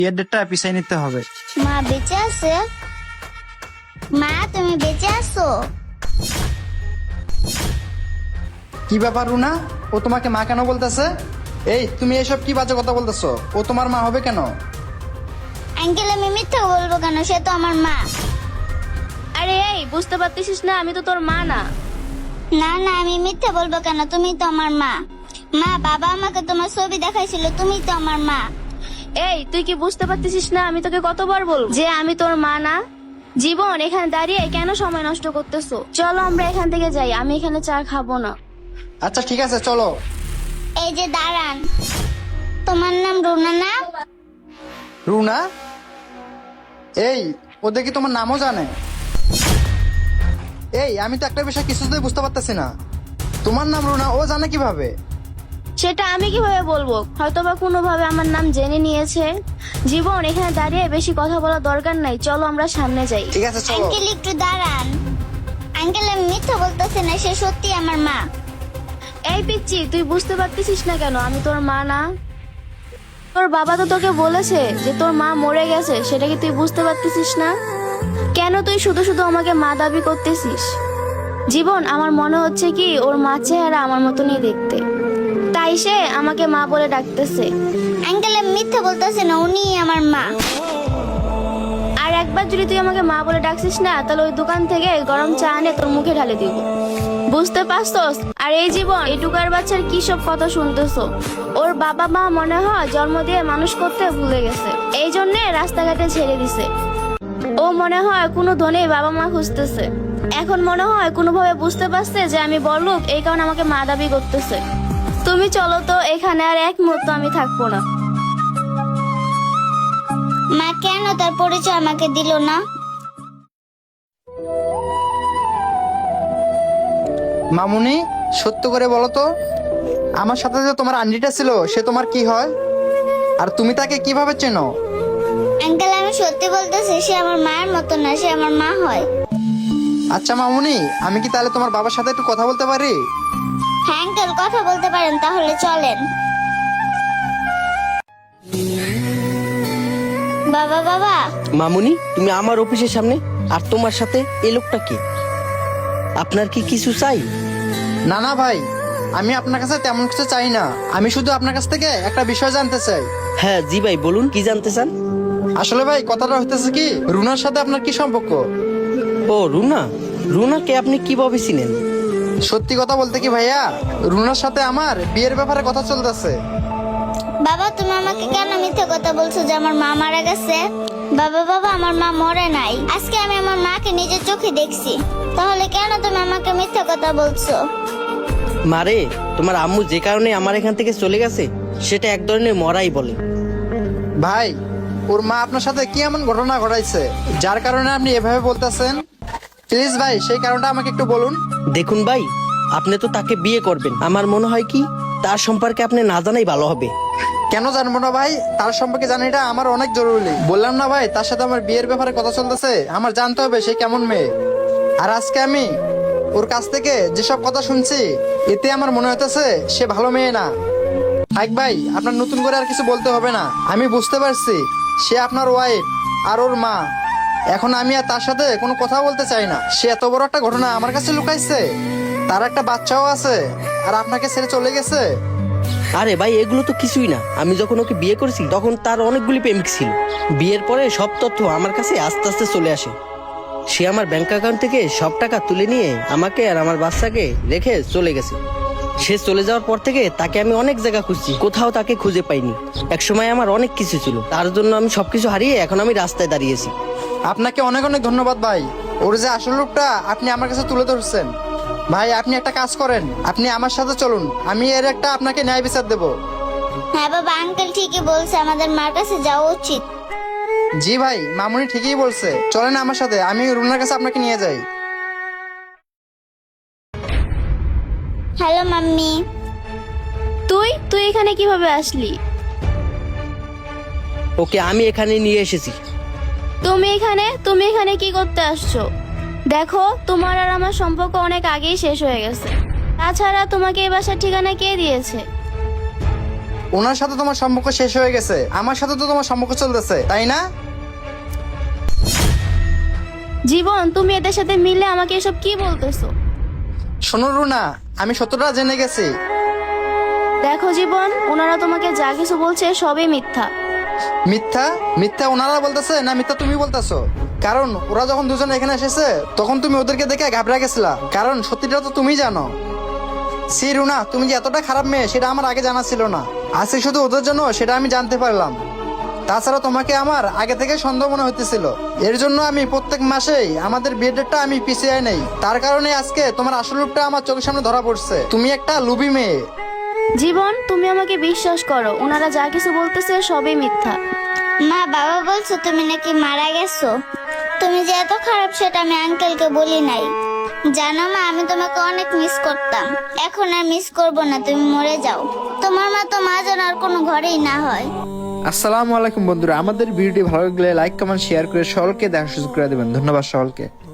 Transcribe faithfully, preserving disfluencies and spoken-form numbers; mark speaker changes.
Speaker 1: বিয়ের ডেটটা পিছাই নিতে হবে।
Speaker 2: মা বেঁচে আছে? মা তুমি বেঁচে আছো?
Speaker 1: কি ব্যাপার রুনা, ও তোমাকে মা কেন বলতেছে? এই তুমি এসব কি বাজে কথা বলতেছো? ও তোমার মা হবে কেন?
Speaker 2: আঙ্কেল আমি মিথ্যা বলবো কেন? সে তো আমার মা।
Speaker 3: আরে এই বুঝতে পারতেছিস না আমি তো তোর মা না।
Speaker 2: না না আমি মিথ্যা বলবো কেন? তুমি তো আমার মা। মা বাবা আমাকে তোমার ছবি দেখাইছিল, তুমি তো আমার মা।
Speaker 3: এই তুই কি বুঝতে পারতেছিস না আমি তোকে কতবার বলবো যে আমি তোর মা না? জীবন এখানে দাঁড়িয়ে কেন সময় নষ্ট করতেছো? চলো আমরা এখান থেকে যাই, আমি এখানে চা খাবো না।
Speaker 1: আচ্ছা ঠিক আছে চলো।
Speaker 2: এই যে দাঁড়ান, তোমার নাম রুনা না?
Speaker 1: রুনা? এই ও দেখি তোমার নামও জানে। এই আমি তো একটা বিষয় কিছুতেই বুঝতে পারতেছি না, তোমার নাম রুনা ও জানে কিভাবে?
Speaker 3: সেটা আমি কিভাবে বলবো? হয়তোবা কোনোভাবে আমার নাম জেনে নিয়েছে। জীবন এখানে দাঁড়িয়ে বেশি কথা বলার দরকার নাই, চলো আমরা সামনে যাই।
Speaker 1: ঠিক আছে চলো।
Speaker 2: আঙ্কেল একটু দাঁড়ান। আঙ্কেল আমি মিথ্যা বলতেছি না, সে সত্যি আমার মা।
Speaker 3: এই পিচ্ছি তুই বুঝতে পারতেছিস না কেন আমি তোর মা না? তোর বাবা তো তোকে বলেছে যে তোর মা মরে গেছে, সেটা কি তুই বুঝতে পারতেছিস না? কেন তুই শুধু শুধু আমাকে মা দাবি করতেছিস? জীবন আমার মনে হচ্ছে কি ওর মা চেহারা আমার মতনই দেখতে, তাই সে আমাকে মা বলে ডাকতেছে।
Speaker 2: আঙ্কেল আমি মিথ্যা বলতেছি না, উনি আমার মা।
Speaker 3: আর একবার যদি তুই আমাকে মা বলে ডাকছিস না, তাহলে ওই দোকান থেকে গরম চা এনে তোর মুখে ঢালে দিব, বুঝতে পারছস? আর এই জীবন এই টুকার বাচ্চার কি সব কথা শুনতেছো? ওর বাবা মা মনে হয় জন্ম দিয়ে মানুষ করতে ভুলে গেছে, এই জন্য রাস্তাঘাটে ছেড়ে দিছে। ও মনে হয় কোনো ধনে বাবা মা খুঁজতেছে, এখন মনে হয় কোনোভাবে বুঝতে পারছে যে আমি বড়লোক, এই কারণে আমাকে মা দাবি করতেছে। তুমি চলো তো, এখানে আর এক মুহূর্ত আমি থাকবো না।
Speaker 2: মা কেন তার পরিচয় আমাকে দিল না?
Speaker 1: মামুনি সত্য করে বলো তো, আমার সাথে যে তোমার আন্টিটা ছিল সে তোমার কি হয়, আর তুমি তাকে কিভাবে চেনো?
Speaker 2: আঙ্কেল আমি সত্যি বলতেছি, সে আমার মায়ের মতো না, সে আমার মা হয়।
Speaker 1: আচ্ছা মামুনি, আমি কি তাহলে তোমার বাবার সাথে একটু কথা বলতে পারি?
Speaker 2: হ্যাঁ আঙ্কেল কথা বলতে পারেন, তাহলে চলেন। বাবা বাবা।
Speaker 4: মামুনি তুমি আমার অফিসের সামনে, আর তোমার সাথে এই লোকটা কি? আপনার কি কিছু চাই?
Speaker 1: না না ভাই, আমি আপনার কাছে তেমন কিছু চাই না, আমি শুধু আপনার কাছ থেকে একটা বিষয় জানতে চাই।
Speaker 4: হ্যাঁ জি ভাই বলুন, কি জানতে চান?
Speaker 1: আসলে ভাই কথাটা হইতেছে কি, রুনার সাথে আপনার কি সম্পর্ক?
Speaker 4: ও রুনা, রুনাকে আপনি কিভাবে চিনেন?
Speaker 1: সত্যি কথা বলতে কি ভাইয়া, রুনার সাথে আমার বিয়ের ব্যাপারে কথা চলতেছে।
Speaker 2: বাবা তুমি আমাকে কেন মিথ্যে কথা বলছো যে আমার মা মারা গেছে? বাবা বাবা আমার মা মরে নাই, আজকে আমি আমার মাকে নিজের চোখে দেখছি, তাহলে কেন তুমি আমাকে মিথ্যে কথা বলছো?
Speaker 4: মারে, তোমার আম্মু যে কারণে আমার এখান থেকে চলে গেছে সেটা এক ধরনের মরাই বলে।
Speaker 1: ভাই ওর মা আপনার সাথে কি এমন ঘটনা ঘটাইছে যার কারণে আপনি এভাবে বলতেছেন? প্লিজ ভাই সেই কারণটা আমাকে একটু বলুন।
Speaker 4: দেখুন ভাই, আপনি তো তাকে বিয়ে করবেন, আমার মনে হয় কি তার সম্পর্কে আপনি না জানাই ভালো হবে।
Speaker 1: কেন জানবো না ভাই, তার সম্পর্কে জানাটা আমার অনেক জরুরি। বললাম না ভাই, তার সাথে আমার বিয়ের ব্যাপারে কথা চলতেছে, আমার জানতে হবে সে কেমন মেয়ে। আর আজকে আমি ওর কাছ থেকে যেসব কথা শুনছি, এতে আমার মনে হইতেছে সে ভালো মেয়ে না। থাক ভাই, আপনার নতুন করে আর কিছু বলতে হবে না, আমি বুঝতে পারছি সে আপনার ওয়াইফ আর ওর মা। এখন আমি আর তার সাথে কোনো কথা বলতে চাই না। সে এত বড় একটা ঘটনা আমার কাছে লুকাইছে, তার একটা বাচ্চাও আছে, আর আপনাকে ছেড়ে চলে গেছে।
Speaker 4: আরে ভাই এগুলো তো কিছুই না, আমি যখন ওকে বিয়ে করেছি তখন তার অনেকগুলি প্রেমিক ছিল। বিয়ের পরে সব তথ্য আমার কাছে আস্তে আস্তে চলে আসে। সে আমার ব্যাংক অ্যাকাউন্ট থেকে সব টাকা তুলে নিয়ে আমাকে আর আমার বাচ্চাকে রেখে চলে গেছে। সে চলে যাওয়ার পর থেকে তাকে আমি অনেক জায়গা খুঁজছি, কোথাও তাকে খুঁজে পাইনি। এক সময় আমার অনেক কিছু ছিল, তার জন্য আমি সবকিছু হারিয়ে এখন আমি রাস্তায় দাঁড়িয়েছি।
Speaker 1: আপনাকে অনেক অনেক ধন্যবাদ ভাই, ওর যে আসল রূপটা আপনি আমার কাছে তুলে ধরছেন। ভাই আপনি একটা কাজ করেন, আপনি আমার সাথে চলুন, আমি এর একটা আপনাকে ন্যায় বিচার দেব।
Speaker 2: হ্যাঁ বাবা আঙ্কেল ঠিকই বলছে, আমাদের মার কাছে যাওয়া উচিত।
Speaker 1: জি ভাই, মামুনি ঠিকই বলছে, চলেন আমার সাথে, আমি রুনার কাছে আপনাকে নিয়ে যাই।
Speaker 2: Hello mummy.
Speaker 3: তুই তুই এখানে কিভাবে আসলি?
Speaker 4: ওকে আমি এখানে নিয়ে এসেছি।
Speaker 3: তুমি এখানে তুমি এখানে কি করতে আসছো? দেখো তোমার আর আমার সম্পর্ক অনেক আগেই শেষ হয়ে গেছে, তাছাড়া তোমাকে এই বাসার ঠিকানা কে দিয়েছে?
Speaker 1: ওনার সাথে তোমার সম্পর্ক শেষ হয়ে গেছে, আমার সাথে তো তোমার সম্পর্ক চলতেছে, তাই না?
Speaker 3: জীবন, তুমি এদের সাথে মিলে আমাকে এসব কি বলতেছো?
Speaker 1: শোনো রুনা, আমি সত্যটা জেনে গেছি।
Speaker 3: দেখো জীবন, ওনারা তোমাকে যা কিছু বলছে সবই মিথ্যা।
Speaker 1: মিথ্যা? মিথ্যা ওনারা বলতেছে না মিথ্যা তুমি বলতেছো? কারণ ওরা যখন দুজন এখানে এসেছে তখন তুমি ওদেরকে দেখে ঘাবড়ে গেছিলা, কারণ সত্যিটা তো তুমি জানো। সি রুনা, তুমি যে এতটা খারাপ মেয়ে সেটা আমার আগে জানা ছিল না, আজকে শুধু ওদের জন্য সেটা আমি জানতে পারলাম। তাছাড়া তোমাকে আমার আগে থেকে সন্দেহ মনে হইতেছিল, এর জন্য আমি প্রত্যেক মাসেই আমাদের বিয়ের ডেটটা আমি পিছিয়ে নেই। তার কারণে আজকে তোমার আসল রূপটা আমার চোখের সামনে ধরা পড়ছে। তুমি একটা লুবি মেয়ে।
Speaker 3: জীবন, তুমি আমাকে বিশ্বাস করো, ওনারা যা কিছু বলতেছে সবই মিথ্যা।
Speaker 2: মা, বাবা বলছো তুমি নাকি মারা গেছো। তুমি যে এত খারাপ সেটা আমি আঙ্কেলকে বলি নাই। জানো মা, আমি তোমাকে অনেক মিস করতাম, এখন আর মিস করব না, তুমি মরে যাও। তোমার মা তো মা যেন আর কোনো ঘরেই না হয়।
Speaker 1: আসসালামু আলাইকুম বন্ধুরা, আমাদের ভিডিওটি ভালো লাগলে লাইক কমেন্ট শেয়ার করে সকলকে দেখা সুযোগ করে দেবেন। ধন্যবাদ সকলকে।